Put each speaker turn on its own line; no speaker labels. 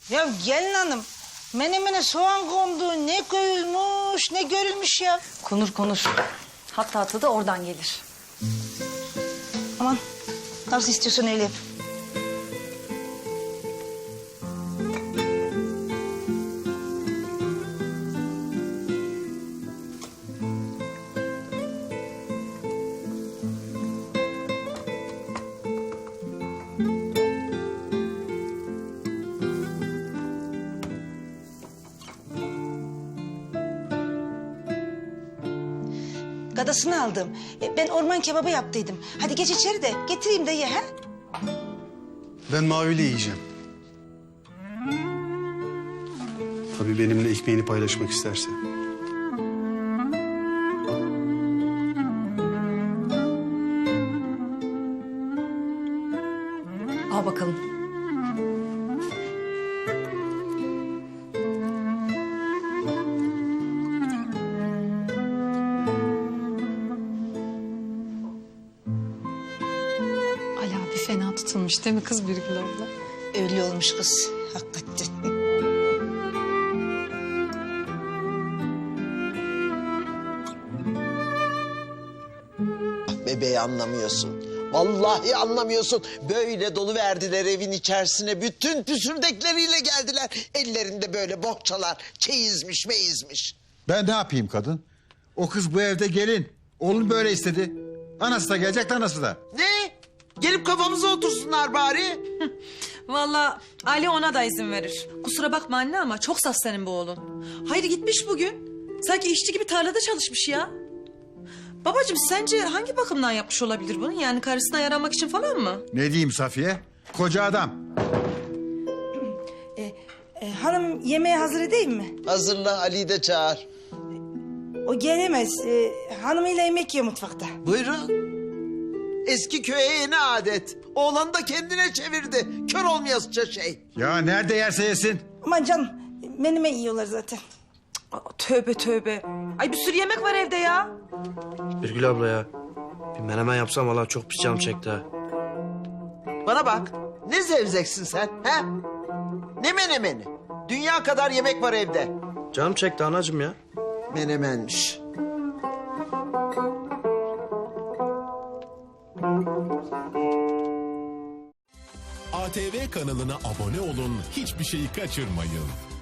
Ya gelin hanım, menemene soğan kondu, ne koyulmuş, ne görülmüş ya.
Konur. Hatta tadı oradan gelir.
Aman, nasıl istiyorsan öyle yap. Gadasını aldım. Ben orman kebabı yaptıydım. Hadi geç içeri de getireyim de ye ha.
Ben Mavi'yle yiyeceğim. Tabii benimle ekmeğini paylaşmak isterse.
Al bakalım.
Ala bir fena tutulmuş değil mi kız Birgül abla?
Öyle olmuş kız, hakikaten.
Bebeği anlamıyorsun. Vallahi anlamıyorsun. Böyle dolu verdiler evin içerisine. Bütün püsürdekleriyle geldiler. Ellerinde böyle bohçalar. Çeyizmiş meyizmiş.
Ben ne yapayım kadın? O kız bu evde gelin. Oğlum böyle istedi. Anası da gelecek, anası da.
Ne? Gelip kafamıza otursunlar bari.
Vallahi Ali ona da izin verir. Kusura bakma anne ama çok saf senin bu oğlun. Hayır gitmiş bugün. Sanki işçi gibi tarlada çalışmış ya. Babacığım sence hangi bakımdan yapmış olabilir bunu? Yani karısına yaramak için falan mı?
Ne diyeyim Safiye? Koca adam.
Hanım yemeği hazır edeyim mi?
Hazırla, Ali'yi de çağır.
O gelemez. Hanımıyla yemek yiyor mutfakta.
Buyurun. Eski köye yeni adet. Oğlan da kendine çevirdi. Kör olmayasıca şey.
Ya nerede yerse yesin.
Aman canım, menüme yiyorlar zaten.
Aa, tövbe. Ay bir sürü yemek var evde ya.
Birgül abla ya. Bir menemen yapsam valla çok pis canım çekti ha.
Bana bak. Ne zevzeksin sen? He? Ne menemeni? Dünya kadar yemek var evde.
Canım çekti anacığım ya.
Menemenmiş.
ATV kanalına abone olun, hiçbir şeyi kaçırmayın.